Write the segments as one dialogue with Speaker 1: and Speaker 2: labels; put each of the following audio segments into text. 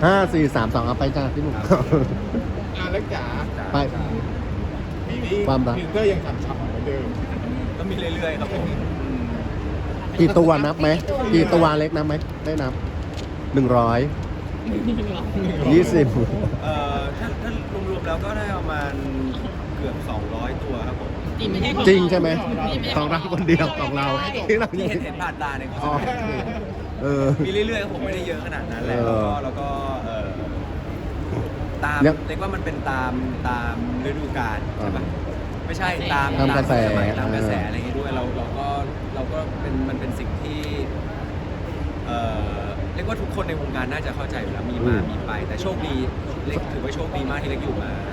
Speaker 1: 5 4 3 2เอาไปจ้าพี่หนุ่ม
Speaker 2: เล็กจ๋า
Speaker 1: ไป
Speaker 2: มี
Speaker 1: ความรัก
Speaker 2: ฟิลเตอร์ยังฉ่ำๆเหมือนเดิม
Speaker 3: ก็มีเรื่อยๆครับผม
Speaker 1: กี่ตัวนับไหมกี่ตัวเล็กนับไหมได้นับ100 20
Speaker 3: ถ้ารวมๆแล้วก็ได้ประมาณเกือบ200 ตัวครับผม
Speaker 1: จริงใช่ไหมของเราคนเดียวของเราที่เรา
Speaker 3: ที่เห็นผ่านตาเนี่ย
Speaker 1: อ๋อ
Speaker 3: มีเรื่อยๆครับผมไม่ได้เยอะขนาดนั้นแหละแล้วก็ตามเรียกว่ามันเป็นตามฤดูกาลใช่ปะไม่ใช่ตาม
Speaker 1: กระแส
Speaker 3: ตามกระแสอะไรอย่างงี้ด้วยเราก็เป็นมันเป็นสิ่งที่เรียกว่าทุกคนในวงการน่าจะเข้าใจอยู่แล้วมีมามีไปแต่โชคดีเล็กถือว่าโชคดีมากที่เล็กอยู่มา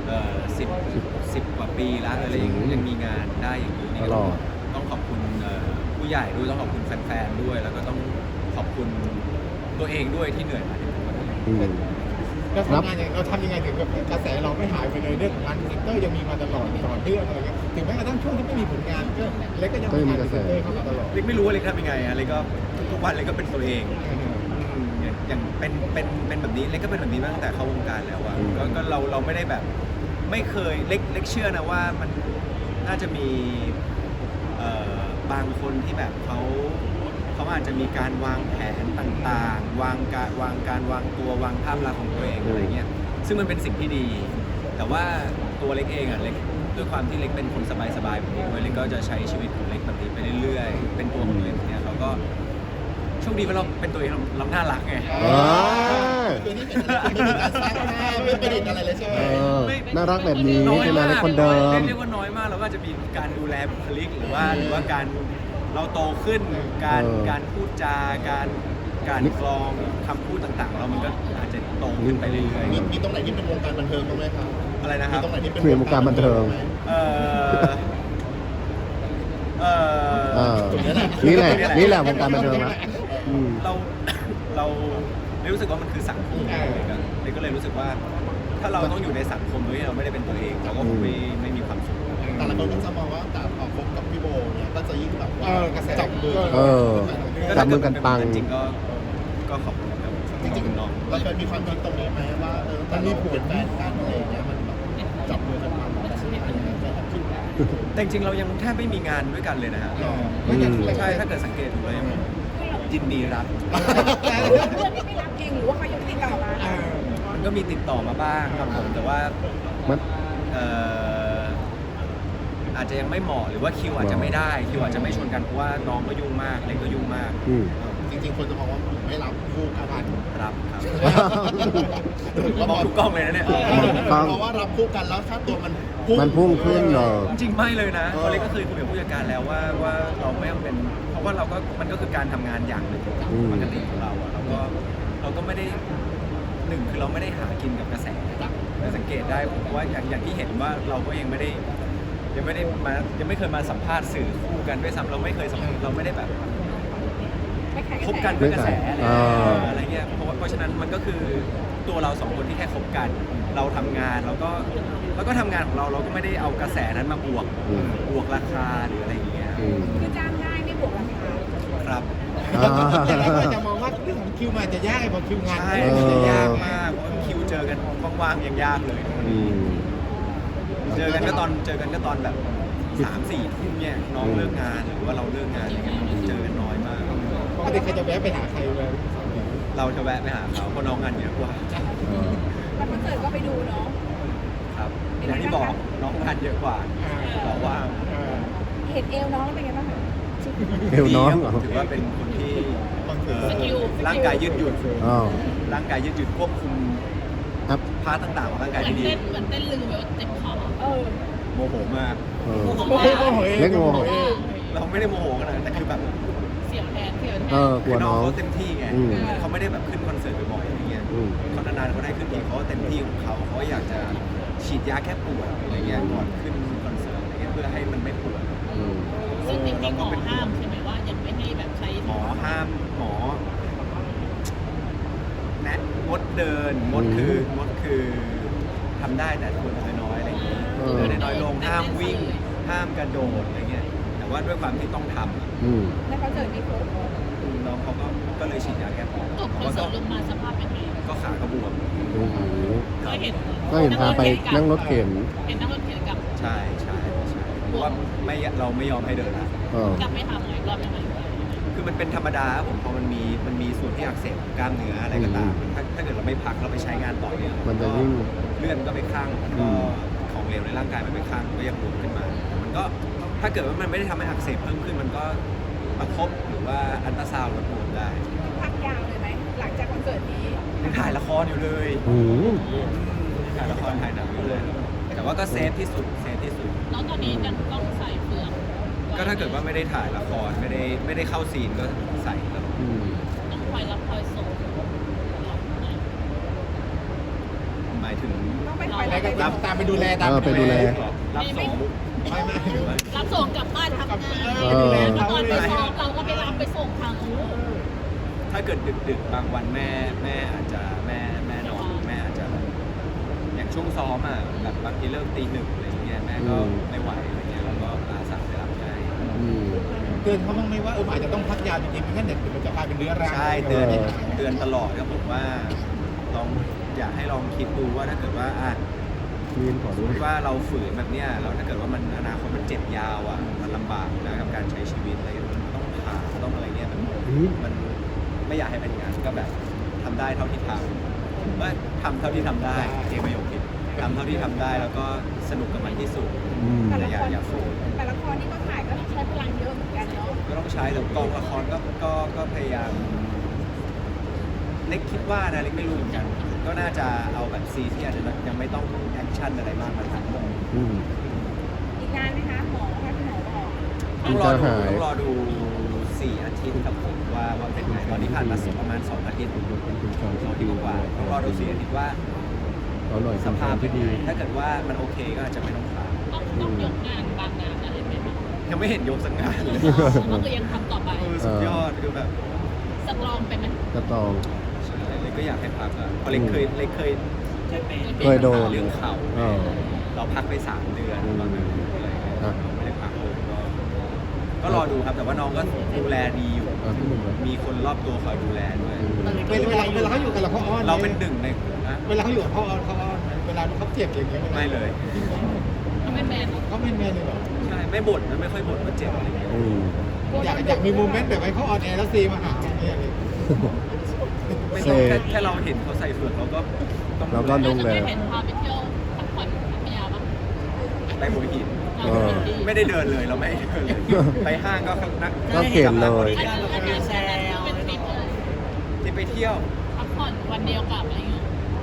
Speaker 3: 10 กว่าปีแล้วอะไรยังมีงานได้อย่างนี้นี่ก็ต้องขอบคุณผู้ใหญ่ด้วยต้องขอบคุณแฟนๆด้วยแล้วก็ต้องขอบคุณตัวเองด้วยที่เหนื่อยมาถึงวันนี้
Speaker 2: เราทำงานเราทำยังไงถึงแบบกระแสเราไม่หายไปเลยเรื่องของงานฟิลเตอร์ยังมีมาตลอดต่อเนื่องอะไรเงี้ยถึงแม้กระทั่งช่วงที่ไม่มีผลงานก็เล็กก็ยังมีกระแสเข้ามาตลอด
Speaker 3: เล็กไม่รู้ว่าเล็กทำยังไงเล็กก็ทุกวันเล็กก็เป็นตัวเองอย่างเป็นแบบนี้เล็กก็เป็นแบบนี้มาตั้งแต่เข้าวงการแล้วอะก็เราไม่ได้แบบไม่เคยเล็กเชื่อนะว่ามันน่าจะมีบางคนที่แบบเขาอาจจะมีการวางแผนต่างๆวางตัววางภาพลักษณ์ของตัวเองอะไรเงี้ยซึ่งมันเป็นสิ่งที่ดีแต่ว่าตัวเล็กเองอะเล็กด้วยความที่เล็กเป็นคนสบายๆแบบนี้ด้วยเล็กก็จะใช้ชีวิตของเล็กแบบนี้ไปเรื่อยๆเป็นตัวของเล็กเนี่ยเราก็โชคดีว่าเราเป็นตัวเองเราน่ารักไง
Speaker 2: คือนี่เป็นการสร้างภาพไม่ประดิษฐ์อะไรเลยใช่ไหม
Speaker 1: น่ารักแบบนี้ใช่ไหมเล็กคนเดิม
Speaker 3: เรียกว่าน้อยมากเราก็จะมีการดูแลบุคลิกหรือว่าการเราโตขึ้นการพูดจาการกรองคำพูดต่างๆเรามันก็อาจจะโตขึ้นไปเรื่อย
Speaker 2: ๆมีตรงไหนที่เป็นวงการบันเทิงบ้างไหมครับ
Speaker 3: อะไรนะครับ
Speaker 2: มีตรงไหนที่เป็น
Speaker 1: วงการบันเทิงนี่แหละวงการบันเทิงนะ
Speaker 3: เรารู้สึกว่ามันคือสังคมเลยก็เลยรู้สึกว่าถ้าเราต้องอยู่ในสังคมโดยที่เราไม่ได้เป็นตัวเองเราก็ไม่มีความสุข
Speaker 2: แต่ละคนก็จะมองว่าการออกคบกับพี่โบเนี่ยก็จะยิ่งแบบว่ากระแสจับมือ
Speaker 1: จับมือกันปัง
Speaker 3: จริงก็ขอบคุณครับจริงๆน้อง
Speaker 2: เราเคยมีความคิดตรงนี้ไหมว่าแต่เราเป็นแฟนกันอะไรอย่างเงี้ยมันแบบจับมือกันปัง
Speaker 3: แต่จริงๆเรายังแทบไม่มีงานด้วยกันเลยนะฮะใช่ถ้าเกิดสังเกตดูเลยยินดีรับ
Speaker 4: เพื่อนที่ไม่รับเองหรือว่าเขายังติดต่อมา
Speaker 3: มันก็มีติดต่อมาบ้างครับผมแต่ว่าอาจจะยังไม่เหมาะหรือว่าคิวอาจจะไม่ได้คิวอาจจะไม่ชนกันเพราะว่าน้องก็ยุ่งมากเล็กก็ยุ่งมาก
Speaker 2: จริงๆคนจะมองว่าไม่รับคู่กัน
Speaker 3: รับครับมองทุกกล้องเลยนะเนี่ย
Speaker 2: เพราะว่ารับคู่กันแล้วถ้าตัวมัน
Speaker 1: พุ่งขึ้นเหรอ
Speaker 3: จริงไม่เลยนะเล็กก็เคยคุยกับผู้จัดการแล้วว่าเราไม่ต้องเป็นเพราะว่ามันก็คือการทำงานอย่างหนึ่งปกติของเราอะเราก็ไม่ได้หนึ่งคือเราไม่ได้หากินกับกระแสสังเกตได้เพราะว่าอย่างที่เห็นว่าเราก็ยังไม่เคยมาสัมภาษณ์สื่อคู่กันด้วยซ้ำเราไม่เคยเราไม่ได้แบบคบกันด้วยกระแสอะไรเงี้ยเพราะฉะนั้นมันก็คือตัวเราสองคนที่แค่คบกันเราทำงานแล้วก็ทำงานของเราก็ไม่ได้เอากระแสนั้นมาบวกราคาหรืออะไรอย่างเงี้ย
Speaker 4: คือจ้างง่ายไม่บวกราคา
Speaker 3: ครับ
Speaker 2: แต่เราก็จะมองว่าเรื่องของคิวมาจะยากไอ้พอคิวงาน
Speaker 3: จะยากมากคิวเจอกันว่างๆยังยากเลยเจอกันก็ตอนแบบ3-4 ทุ่มเนี่ยน้องเลิกงานหรือว่าเราเลิกงานอะไรเงี้ยเจอกันน้อยมาก
Speaker 2: ปกติใครจะแวะไปหาใครเลย
Speaker 3: เราจะแวะไปหาเขาเพราะน้องงานเยอะกว่า
Speaker 4: แล้วคอนเสิร์ตก็ไปดูเนาะ
Speaker 3: ครับอย่างที่บอกน้องงานเยอะกว่าบอกว่า
Speaker 4: เห็นเอวน้องเป็นไงบ้างคะ
Speaker 1: เอวน้อง
Speaker 3: ถือว่าเป็นคนที่ร่างกายยืดหยุ่นร่างกายยืดหยุ่นควบคุมพาร์ทต่างๆของร่างกายที่ดี
Speaker 4: เหมือนเต้นลืมแบบเจ็บคอ
Speaker 3: โมโหมาก
Speaker 1: เล็กโมโห
Speaker 3: เราไม่ได้โมโหขนาดนั้นแต่คือแบบ
Speaker 4: เสียงแทน
Speaker 1: กลัวน้อง
Speaker 3: เขาเต็มที่ไงเขาไม่ได้แบบขึ้นคอนเสิร์ตบ่อยๆอย่างเงี้ยเขานานๆเขาได้ขึ้นทีเขาเต็มที่ของเขาอยากจะฉีดยาแค่ปวดอะไรเงี้ยก่อนขึ้นคอนเสิร์ตอะไรเงี้ยเพื่อให้มันไม่ปวด
Speaker 4: ซึ่งจริงๆหมอห้ามใช่ไหมว่ายังไม่ให้แบบใช้
Speaker 3: หมอห้ามหมอแนะงดเดินงดคือทำได้แต่ควรจะน้อยอะไรเงี้ยเดินน้อยลงห้ามวิ่งห้ามกระโดดอะไรเงี้ยแต่ว่าด้วยความที่ต้องท
Speaker 4: ำแล้วเขาเจอมีผล
Speaker 3: น้องเขาก็เลยฉีดยาแก้ปวด
Speaker 4: ตกคอนเสิร์ตลงมาสภาพเป็นไง
Speaker 3: ก็ขาก็บวม
Speaker 1: โอ้โห
Speaker 4: ก็เห็น
Speaker 1: ก็เห็นพาไปนั่งรถเข็น
Speaker 4: เห็นนั่งรถเข็นกลับ
Speaker 3: ใช่เพราะว่าเราไม่ยอมให้เดินละ
Speaker 1: เออก
Speaker 4: ลับไปทำไงรอบยังไง
Speaker 3: คือมันเป็นธรรมดาครับผมพอมันมีส่วนที่อักเสบของกล้ามเนื้ออะไรก็ตามถ้าเกิดเราไม่พักเราไปใช้งานต่อเนี่ย
Speaker 1: มันจะยิ่ง
Speaker 3: เลือดก็ไปข้างมันก็ของเหลวในร่างกายมันไปข้างก็ยังบวมขึ้นมามันก็ถ้าเกิดว่ามันไม่ได้ทำให้อักเสบเพิ่มขึ้นมันก็ประคบหรือว่าอัลตราซาวด์ลดบวมได้
Speaker 5: พักยาวเลยไหมหลังจากคอนเสิร์ตนี้
Speaker 3: ยังถ่ายละครอยู่เลย
Speaker 1: โอ้โห
Speaker 3: ถ่ายละครถ่ายหนังอยู่เลย แต่ว่าก็เซฟที่สุด
Speaker 4: แล้วตอนนี้ยังต้องใส่เปลือก
Speaker 3: ก็ถ้าเกิดว่าไม่ได้ถ่ายละครไม่ได้เข้าซีนก็ใส่ครับ
Speaker 1: อืม
Speaker 4: ต้องคอยรับคอยส่ง
Speaker 3: หมายถึง
Speaker 5: ต้องไปคอย
Speaker 2: อะไรก็
Speaker 5: รับ
Speaker 2: ตามไปดูแลตาม
Speaker 1: ไปดูแล
Speaker 3: รับส่ง
Speaker 2: ไม่หรือว่า
Speaker 4: รับส่งกลับบ้านทำงาน
Speaker 1: เออ
Speaker 4: แล้วตอนไปซ้อมเราก็ไปรับไปส่งทางนู้น
Speaker 3: ถ้าเกิดดึกๆบางวันแม่อาจจะแม่นอนแม่อาจจะอย่างช่วงซ้อมอ่ะแบบบางทีเลิกตี 1อะไรอย่างเงี้ยแม่ก็ไม่ไหวอะไรเงี้ยแล้วก็อาสาไปรับให้
Speaker 1: อืม
Speaker 2: เตือนเขาบ้างไหมว่าอาจจะต้องพักยาจริงๆไม่งั้นเดี๋ยวมันจะกลายเป็นเรื้อรัง
Speaker 3: ใช่เตือนตลอดครับผมว่าลองอยากให้ลองคิดดูว่าถ้าเกิดว่า
Speaker 1: มีนขอ
Speaker 3: ส
Speaker 1: ดู
Speaker 3: มมติว่าเราฝืนแบบเนี้ยแล้วถ้าเกิดว่ามันอนาคตมันเจ็บยาวอ่ะมันลำบากนะกับการใช้ชีวิตอะไรมันต้องผ่าต้องอะไรเงี้ยมันไม่อยากให้เป็นอย่างนั้นก็แบบทำได้เท่าที่ทำว่าทำเท่าที่ทำได้เองประโยคผิดทำเท่าที่ทำได้แล้วก็สนุกกับมันที่สุด
Speaker 1: อืม
Speaker 3: แต่อย่าฝืน
Speaker 5: แต่ละครที่ก็ถ่ายก็ใช้พลังเยอะเหมือนกันเนาะ
Speaker 3: ก็ต้องใช้แต่กองละครก็พยายามเล็กคิดว่านะเล็กไม่รู้เหมือนกัน ก็น่าจะเอาแบบซีนที่อาจจะยังไม่ต้องแอคชั่นอะไรมากมาทำ
Speaker 1: อืม
Speaker 5: อีกนานไหมคะหมอคะที่หมอบอก
Speaker 3: ต้องรอดู4 อาทิตย์ครับผมว่าเป็นไงตอนนี้ผ่านมาประมาณ2 อาทิตย์2 อาทิตย์กว่าต้องรอดู4 อาทิตย์ว่า
Speaker 1: เอาหน่อย
Speaker 3: สภาพเป็น
Speaker 1: ที่
Speaker 3: ไง
Speaker 1: ดี
Speaker 3: ถ้าเกิดว่ามันโอเคก็อาจจะไม่ต้องผ่า
Speaker 4: ต้องยกงานบางงานอะไรไหมคะ
Speaker 3: ยังไม่เห็นยกสักงานเลย
Speaker 4: ก็คือยังทำต่อไป
Speaker 3: สุดยอดคือแบบ
Speaker 4: สักลองไปไหม
Speaker 1: กระตอง
Speaker 3: เลยก็อยากให้พักอ่ะเพราะเล็กเคย
Speaker 1: เคยโดน
Speaker 3: เรื่องเข่า
Speaker 1: เออ
Speaker 3: เราพักไป3 เดือนตอนนั้นอะไรเงี้ย
Speaker 1: อ่ะ
Speaker 3: ไม่ได้พักเลยก็รอดูครับแต่ว่าน้องก็ดูแลดีอยู่
Speaker 1: พี่หนุ่มเหรอ
Speaker 3: มีคนรอบตัวคอยดูแลด้วย
Speaker 2: เวลาเขาอยู่กับเราเขาอ้อน
Speaker 3: เราเป็นหนึ่งในนะ
Speaker 2: เวลาเขาอยู่กับเขาอ้อนเวลาเขาเจ็บอย่างเงี้ย
Speaker 3: ไม่เลย
Speaker 4: เขาเป็นแมน
Speaker 2: เขาเป็นแม่เลยเหรอ
Speaker 3: ใช่ไม่บ่นนะไม่ค่อยบ่นว่าเจ็บอะไรเงี้ย
Speaker 1: อืม
Speaker 2: อยากมีโมเมนต์แบบให้เขาออนแอร์แล้วซีมาหาเนี่ย
Speaker 3: ไม่ต้องแค่เราเห็นเขาใส่เฟือกเราก็ต้อง
Speaker 1: เราก็
Speaker 3: ดู
Speaker 1: ดู
Speaker 3: แล
Speaker 1: แล
Speaker 4: เห็นพาไปเที่ยวพักผ่อนพัทยาบ้าง
Speaker 3: ไปหัวหิน
Speaker 1: เออ
Speaker 3: ไม่ได้เดินเลยเราไม่ได้เดินเลยไปห้างก็นัก
Speaker 1: ก็เข็นเลย
Speaker 4: อันนี้แซวเป็นทริปเลย
Speaker 3: ที่ไปเที่ยว
Speaker 4: พักผ่อนวันเดียวกลับอะไรเงี้ย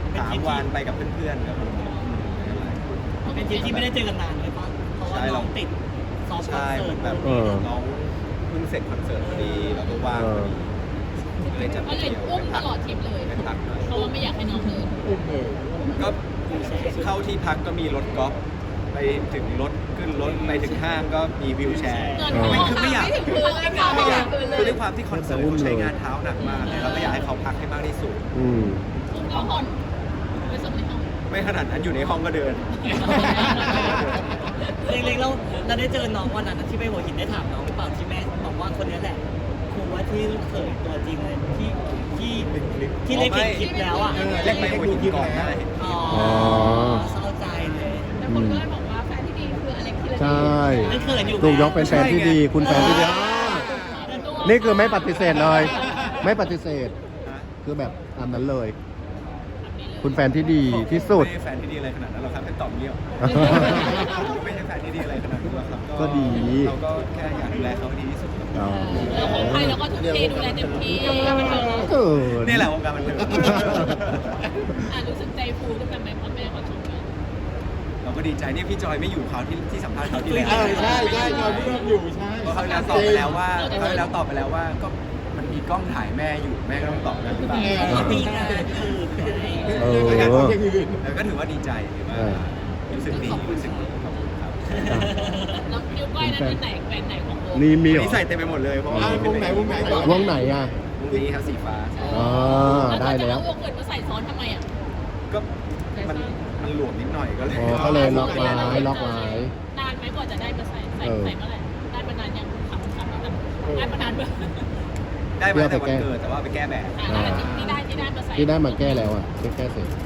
Speaker 3: 3 วันไปกับเพื่อนๆครับผม
Speaker 6: เป็นทริปที่ไม่ได้เจอกันนานเลยป่ะเพราะว่าน้องติดซ้อมคอน
Speaker 3: ใช่
Speaker 6: เสิร์ต
Speaker 3: แบบ
Speaker 1: เออ
Speaker 3: น้องเพิ่งเสร็จคอนเสิร์ตพอดีแล้วก็ว่างพอดีเลยจะไป
Speaker 4: ก็เลย
Speaker 3: เที่ยว
Speaker 4: อุ้ม
Speaker 3: ไป
Speaker 4: ต
Speaker 3: พัก
Speaker 4: ลอดทริปเลย
Speaker 3: ไปพักหน่อย
Speaker 4: เพราะว่าไม่อยากให้น้องเดิน
Speaker 2: อุ้มเลย
Speaker 3: ก็เข้าที่พักก็มีรถกอล์ฟไปถึงรถขึ้นรถไปถึงห้างก็มีวิวแชร์
Speaker 4: เดิน
Speaker 3: ไม่คือไม่อยาก
Speaker 4: ไม่ถึงพื้นเลยค่ะ
Speaker 3: ไม่อยากคือด้วยความที่คอนเสิร์ตเขาใช้งานเท้าหนักมากเนี่ยเราก็อยากให้เขาพักให้มากที่สุด
Speaker 1: อืม
Speaker 4: อุ้มก็ผ่อนไปส่งในห้อง
Speaker 3: ไม่ขนาดนั้นอยู่ในห้องก็เดิน
Speaker 6: เล็กๆเราได้เจอน้องวันนั้นที่ไปหัวหินได้ถามน้องหรือเปล่าที่แม่บอกว่าคนนี้แหละครูว่าที่ลูกเขยตัวจริงเลยที่เล็กเห็นคลิปแล้วอ่ะ
Speaker 3: เล็กไปหัวหินก่อนได้
Speaker 6: อ๋อเศร้าใจเลย
Speaker 4: แต่คนก็เลยบอกว่าแฟนที่ดีคืออเล็กธีรเดช
Speaker 1: ใช่
Speaker 6: ไม่เขินอยู่
Speaker 1: ถูกยกเป็นแฟนที่ดี คุณแฟนที่ดีนี่คือไม่ปฏิเสธเลย ไม่ปฏิเสธ คือแบบตามนั้นเลย คุณแฟนที่ดีที่สุด
Speaker 3: ไม่ใช่แฟนที่ดีอะไรขนาดนั้นหรอกครับแค่ตอบเงี้ยวไม่ใช่แฟนที่ดีอะไรขนาดนั้นหรอกครับ
Speaker 1: ก็ดี
Speaker 3: เราก็แค่อยากดูแลเขาให้ดีที่สุดครับ
Speaker 1: อ๋อ
Speaker 4: แล้วของใครเราก็ทุ่มเทดูแลเต็มที่มันเถอะ
Speaker 1: เกิน
Speaker 3: นี่แหละวงการบันเทิง
Speaker 4: รู้สึกใจฟูด้วยกันไหมเพราะแม่เขาชมกัน
Speaker 3: เราก็ดีใจเนี่ยพี่จอยไม่อยู่เขาที่สัมภาษณ์เขาที่แล้ว
Speaker 2: ใช่จอยพี่อยู่ใช่
Speaker 3: เพราะเขาแล้วตอบไปแล้วว่าก็มันมีกล้องถ่ายแม่อยู่แม่ก็ต้องตอบนะหรือเปล่า
Speaker 6: มีงานคือไง
Speaker 1: เออ
Speaker 2: ไม่งั้นเขาจะอื่น
Speaker 3: แล้วก็ถือว่าดีใจถือว่ารู้สึกดีรู้สึกดีขอบคุณครับ
Speaker 4: แล้วนิ้วก้อยนั้นเป็นไหนแฟนไหนของโบ
Speaker 1: นี่มีเหร
Speaker 3: นี่
Speaker 1: อ
Speaker 3: ใส่เต็มไปหมดเลยเพราะว่า
Speaker 2: วงไหนก่อน
Speaker 1: วงไหนอ่ะ
Speaker 3: วงนี้ครับสีฟ้า
Speaker 1: อ๋อได้แล้ว
Speaker 4: วงอื่นมาใส่ซ้อนทำไมอ่ะ
Speaker 3: ก็มันหลวมนิดหน่อยก็เลย
Speaker 1: อ๋อก็เลยล็อกไว้ล็อกไว้
Speaker 4: นานไหมกว่าจะได้มาใส่เมื่อไหร่ได้มานานยังขับได้มานานเมื่อ
Speaker 3: ได้มาแต่วันเกิดแต่ว่าไปแก้แบบ
Speaker 4: แล้วที่ได้ที่ที่ได้มาใส่
Speaker 1: ที่ได้มาแก้แล้วอ่ะแก้เสร็จ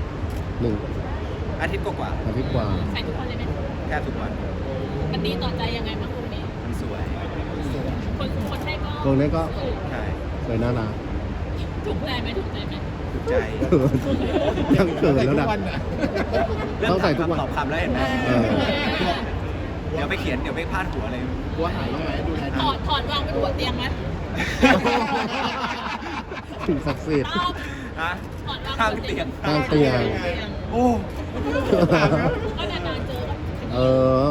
Speaker 1: 1
Speaker 3: อาทิตย์กว่า
Speaker 1: อาทิตย์กว่า
Speaker 4: ใส่ทุกวันเลยไหม
Speaker 3: ๆแค่ทุกวัน
Speaker 4: มันดีต่อใจยังไงบ้างคุณนี้
Speaker 3: มันสวย
Speaker 4: คนใช้ก็
Speaker 1: ตรงนี้ก็
Speaker 3: ใช่
Speaker 1: สวยน่ารัก
Speaker 4: ถูกใจไหมถูกใจไหม
Speaker 3: ถูกใจ
Speaker 1: ยังเขินแล้วนะ ต้องใส่ทุกวัน
Speaker 3: ตอบคำแล้วเห็นไหม
Speaker 1: เออ
Speaker 3: เดี๋ยวไปเขียนเดี๋ยวไปพาดหัวอะไร
Speaker 2: กลัวหายบ้างไหมดูแล
Speaker 4: ถอดวางบนหัวเตียงไหม
Speaker 1: สิ่งศักดิ์สิทธิ์
Speaker 4: ต้อง
Speaker 3: ฮะ
Speaker 4: ถอดวาง
Speaker 3: ข้างเตียง
Speaker 1: ข้างเตียง
Speaker 3: โอ้
Speaker 4: ก็นานๆเจอกัน
Speaker 1: เออ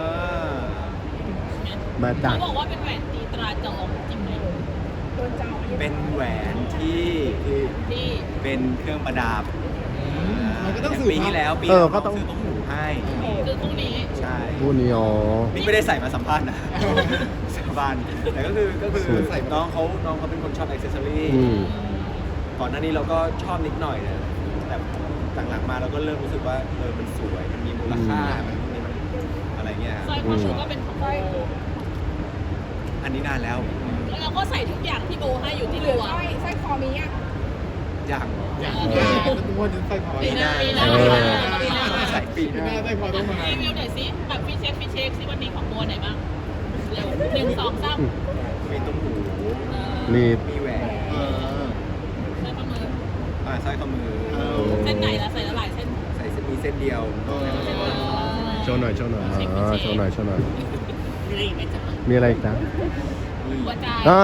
Speaker 1: มาจาก
Speaker 4: เขาบอกว่าเป็นแหวนตีตราจองจริงไหม
Speaker 5: โดนเจ้า
Speaker 3: เป็นแหวนที่
Speaker 4: ที่
Speaker 3: เป็นเครื่องประดับ
Speaker 2: มันก็ต้อง
Speaker 3: ย่า
Speaker 2: สื่อ
Speaker 3: ปีที่แล้วปี
Speaker 1: เออ
Speaker 3: แล้ว
Speaker 1: ก็ต้อง
Speaker 3: ซื้อตุ้มหูให้
Speaker 4: คือพรุ่งนี้
Speaker 3: ใช่
Speaker 1: ผู้นี้อ๋อ
Speaker 3: นี่ไม่ได้ใส่มาสัมภาษณ์นะ สัมภาษณ์แต่ก็คือ
Speaker 1: สวย
Speaker 3: ใส่น้องเขาเป็นคนชอบอิเซอรี่
Speaker 1: อืม
Speaker 3: ก่อนหน้านี้เราก็ชอบนิดหน่อยนะแต่หลังๆมาเราก็เริ่มรู้สึกว่ามันสวยมันมีมูลค่ามันอะไรเงี้ย
Speaker 4: สร้อยคอชูก็เป็นของโบ
Speaker 3: อันนี้นานแล้ว
Speaker 4: แล้วเราก็ใส่ทุกอย่างที่โบให้อยู่ที่
Speaker 5: เหลื
Speaker 4: ตั
Speaker 5: อ
Speaker 4: ว
Speaker 5: สร้อยคอมีอ่ะ
Speaker 3: อย่าง
Speaker 2: อย่างนี้ทุกคนจะใส่คอ
Speaker 4: ปีหน้าปีหน้า
Speaker 1: เออ
Speaker 3: ใส่ปี
Speaker 2: ปีหน้าใส่คอต้องมา
Speaker 4: รีวิวหน่อยสิแบบฟิเช็คซิวันนี้ของโบไหนบ้างเร็ว1 2 3
Speaker 3: มีตุ้มหู
Speaker 1: รีบ
Speaker 3: มีแหวน
Speaker 2: เออ
Speaker 4: ใส่ข้อมือ
Speaker 3: สร้อยข้อมือ
Speaker 4: เส้นไหนล่ะใส่ละหลายเส้น
Speaker 3: ใส่มีเส้นเดียว
Speaker 1: โชว์หน่อยโชว์หน่อยอ่าโชว์หน่อยโชว์หน่อย
Speaker 6: มีอะไรอีกไหมจ๊ะ
Speaker 1: มีอะไรอีกนะ
Speaker 4: หัวใจ
Speaker 1: อ่า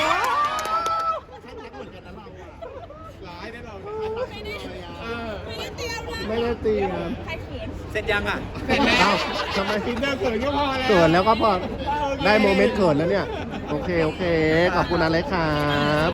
Speaker 2: ร้ายนะเรา
Speaker 4: ไม่ได้
Speaker 2: เออ
Speaker 4: ไม่ได้เตรียมเลย
Speaker 1: ไม่ได้เตรียม
Speaker 5: ใครเขิน
Speaker 3: เสร็จยังอ่ะ
Speaker 2: เสร็จแล้ว
Speaker 1: เอ้าทำไม
Speaker 2: กินเนื้อเขินก็พอแล้ว
Speaker 1: เขินแล้วก็พอได้โมเมนต์เขินแล้วเนี่ย โอเค ขอบคุณอะไรครับ